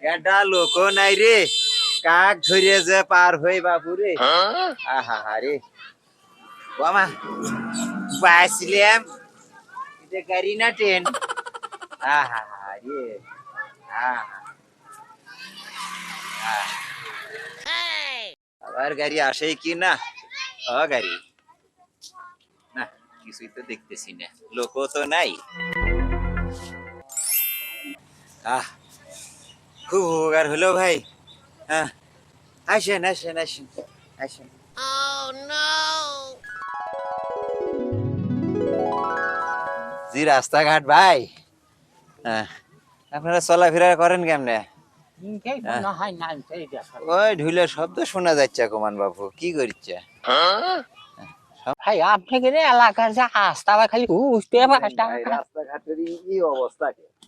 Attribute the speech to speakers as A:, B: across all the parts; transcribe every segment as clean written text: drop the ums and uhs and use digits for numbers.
A: এটা লোক নাই রে, কাক ধরে যে পার হই বাবু রে। আহা রে বাবা, বাঁচলাম। এটা গাড়ি না ট্রেন? আহা রে, আবার গাড়ি আসে কি না? গাড়ি না, কিছুই তো দেখতেছি না, লোকও তো নাই। খুব উপকার হলো ভাই। হ্যাঁ, আসেন আসেন আসেন আসেন। জি রাস্তাঘাট ভাই, হ্যাঁ, আপনারা চলাফেরা করেন কেমনে? ওই ঢুলের শব্দ শোনা যাচ্ছে কুমান বাবু, কি করছে?
B: ভাই আপনি কি এলাকার যে রাস্তা ভাই খালি বুঝতে
A: রাস্তাঘাটের এই অবস্থা।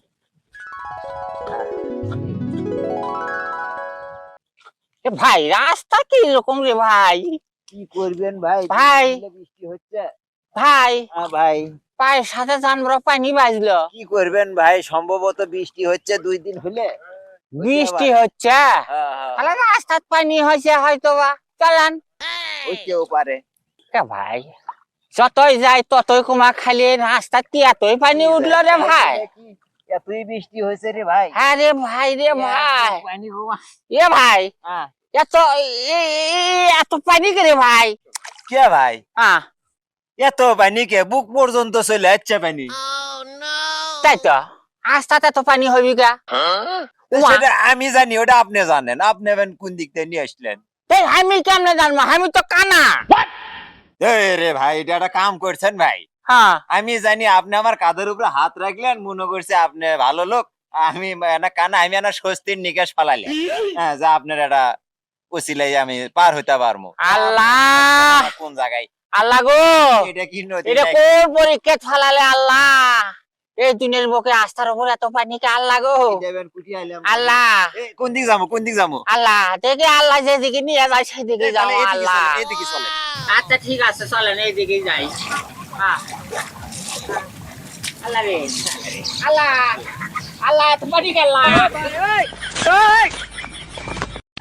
B: ভাই রাস্তা কি রকম রে ভাই?
A: কি করবেন ভাই?
B: ভাই
A: বৃষ্টি হচ্ছে
B: ভাই,
A: ভাই
B: পায়ের সাথে জানবো পানি বাজলো।
A: কি করবেন ভাই? সম্ভবত বৃষ্টি হচ্ছে 2 দিন হলে।
B: বৃষ্টি হচ্ছে, তাহলে রাস্তার পানি হয়েছে হয়তো বা। চলেন,
A: হইতেও পারে
B: ভাই যতই যাই ততই কুমা খালি রাস্তা এতই পানি উঠলো রে ভাই।
A: এতই বৃষ্টি হয়েছে রে ভাই।
B: হ্যাঁ রে ভাই, রে ভাই, এ ভাই এত এত পানি কে রে ভাই?
A: কে ভাই? এত পানি কে? বুক পর্যন্ত চলে যাচ্ছে পানি।
B: তাই তো, রাস্তাতে তো পানি হবি গা।
A: সেটা আমি জানি, ওটা আপনি জানেন। আপনি কোন দিক থেকে নিয়ে আসলেন?
B: আমি কেমনে জানবো? আমি তো কানা
A: রে ভাই, এটা একটা কাম করছেন ভাই।
B: হ্যাঁ,
A: আমি জানি আপনি আমার কাঁধের উপরে হাত রাখলেন, মনে করছে আপনি ভালো লোক। আমি কানা, আমি স্বস্তির নিকাশ ফালাইলাম। হ্যাঁ, যা আপনার একটা ওসিলাই আমি পার হইতে পারবো।
B: আল্লাহ
A: কোন জায়গায়?
B: আল্লাহ গো,
A: এটা কি নদী?
B: এটা কোন পরীক্ষা ফালালে আল্লাহ? এই দুনিয়ার বুকে আস্থার উপর এত পানি কে আল্লাহ গো? আল্লাহ
A: কোন দিক যাবো? কোন দিক যাবো?
B: আল্লাহ দেখে, আল্লাহ যেদিকে নিয়ে যায় সেদিকে যাও আল্লাহ।
A: এদিকে চলে।
B: আচ্ছা ঠিক আছে, চলেন এইদিকে যাই। আল্লাহ রে, আল্লাহ আল্লাহ এত পানি কে আল্লাহ?